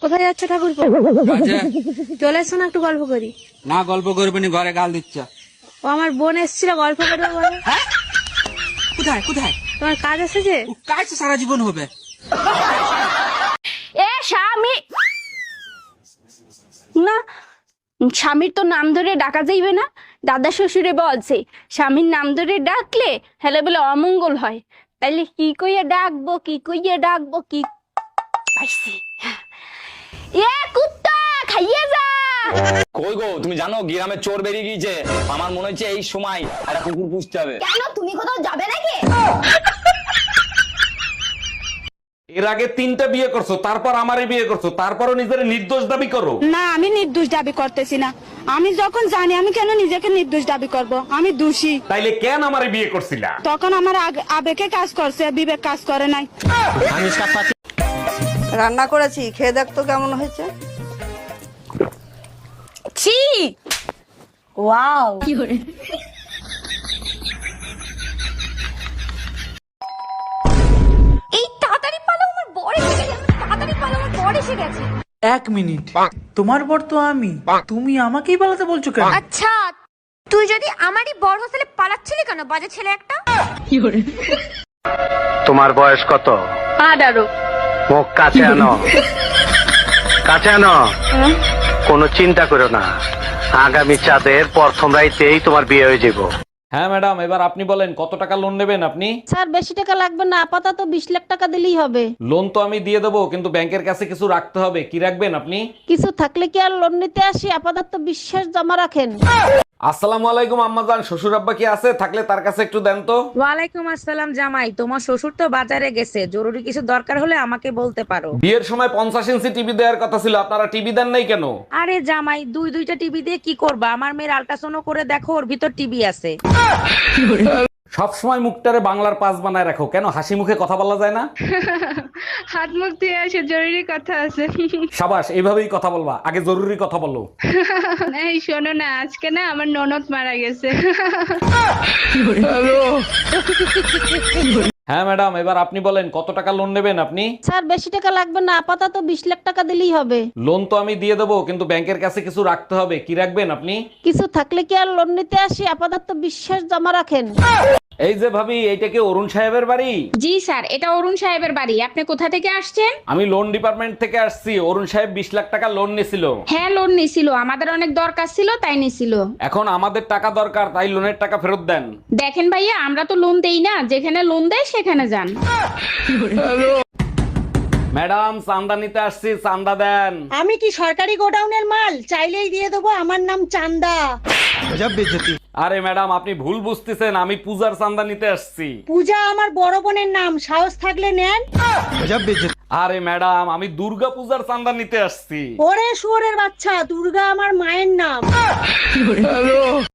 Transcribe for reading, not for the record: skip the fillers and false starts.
কোথায় যাচ্ছ ঠাকুরপো? চলে এসো না, একটু গল্প করি। না, গল্প করবে নি, ঘরে গাল দিচ্ছ। ও আমার বোন এসেছিল, গল্প করবে বলে। কোথায় কোথায়? তোমার কাজ এসেছে? কাজ তো সারা জীবন হবে। এ স্বামী না, স্বামীর তো নাম ধরে ডাকা যাইবে না। দাদা শ্বশুরে বলছে স্বামীর নাম ধরে ডাকলে হেলে বলে অমঙ্গল হয়। তাইলে কি কইয়া ডাকবো, কি কইয়া ডাকবো, কি পাইছি। এ কুত্তা খাইয়ে যা। কই গো, তুমি জানো গ্রামে চোর বেরিয়ে গিয়েছে। আমার মনে হচ্ছে এই সময় একটা কুকুর পুষতে হবে। কেন, তুমি কোথাও যাবে নাকি? এর আগে 3টা বিয়ে করছো, তারপর আমারই বিয়ে করছো, তারপরও নিজের নির্দোষ দাবি করো। না, আমি নির্দোষ দাবি করতেছি না। আমি যখন জানি, আমি কেন নিজেকে নির্দোষ দাবি করব? আমি দোষী। তাইলে কেন আমারে বিয়ে করছিলা? তখন আমার আবেগে কাজ করছে, বিবেক কাজ করে নাই। রান্না করেছি, খেয়ে দেখ তো কেমন হয়েছে। ছি, ওয়াও, এই তাড়াতাড়ি পালো, আমার বর এসে গেছে। তাড়াতাড়ি পালো, আমার বর এসে গেছে। 1 মিনিট, তোমার বর তো আমি, তুমি আমাকেই পালাতে বলছো কেন? আচ্ছা, তুই যদি আমারই বর হোস্টেলে পালাচ্ছিলি কেন, বাজে ছেলে একটা? তোমার বয়স কত? 18। মুখ কাছে আনো, কাছে আনো। কোনো চিন্তা করো না, আগামী চাঁদের প্রথম রাইতেই তোমার বিয়ে হয়ে যাব। হ্যাঁ ম্যাডাম, এবার আপনি বলেন কত টাকা লোন নেবেন আপনি? স্যার, বেশি টাকা লাগবে না, আপাতত 20 লাখ টাকা দিলেই হবে। লোন তো আমি দিয়ে দেবো, কিন্তু ব্যাংকের কাছে কিছু রাখতে হবে। কি রাখবেন আপনি? কিছু থাকলে কি আর লোন নিতে আসি? আপাতত বিশ্বাস জমা রাখেন। আসসালামু আলাইকুম আম্মাজান, শ্বশুর আব্বা কি আছে? থাকলে তার কাছে একটু দেন তো। ওয়ালাইকুম আসসালাম জামাই, তোমার শ্বশুর তো বাজারে গেছে, জরুরি কিছু দরকার হলে আমাকে বলতে পারো। বিয়ের সময় 50 ইঞ্চি টিভি দেওয়ার কথা ছিল, আপনারা টিভি দেন নাই কেন? আরে জামাই, দুইটা টিভি দিয়ে কি করবা? আমার মেয়ের আল্ট্রাসাউন্ড করে দেখো, ওর ভিতর টিভি আছে। সব সময় মুখটারে বাংলার পাস বানায় রাখো কেন? হাসি মুখে কথা বলা যায় না? হাত মুখ দিয়ে আসে, জরুরি কথা আছে। সাবাস, এইভাবেই কথা বলবা। আগে জরুরি কথা বলো। এই শোনো না, আজকে না আমার ননদ মারা গেছে। হ্যাঁ ম্যাডাম, এবার আপনি বলেন কত টাকা লোন নেবেন আপনি? স্যার, বেশি টাকা লাগবে না, আপাতত 20 লাখ টাকা দিলেই হবে। লোন তো আমি দিয়ে দেবো, কিন্তু ব্যাংকের কাছে কিছু রাখতে হবে। কি রাখবেন আপনি? কিছু থাকলে কি আর লোন নিতে আসি? আপাতত বিশ্বাস জমা রাখেন। এই যে ভাবি, এইটা কি অরুণ সাহেবের বাড়ি? জি স্যার, এটা অরুণ সাহেবের বাড়ি। আপনি কোথা থেকে আসছেন? আমি লোন ডিপার্টমেন্ট থেকে আসছি। অরুণ সাহেব 20 লাখ টাকা লোন নিছিল। হ্যাঁ, লোন নিছিল, আমাদের অনেক দরকার ছিল তাই নিছিল। এখন আমাদের টাকা দরকার, তাই লোনের টাকা ফেরত দেন। দেখেন ভাইয়া, আমরা তো লোন দেই না, যেখানে লোন দেয় সেখানে যান। ম্যাডাম, চান্দা নিতে আসছি, চান্দা দেন। আমি কি সরকারি গোডাউনের মাল? চাইলেই দিয়ে দেবো, আমার নাম চান্দা। আরে ম্যাডাম, আপনি ভুল বুঝতেছেন, আমি পূজার চান্দা নিতে আসছি। পূজা আমার বড় বোনের নাম, সাহস থাকলে নেন। আরে ম্যাডাম, আমি দুর্গা পূজার চান্দা নিতে আসছি। ওরে শুয়োরের বাচ্চা, দুর্গা আমার মায়ের নাম।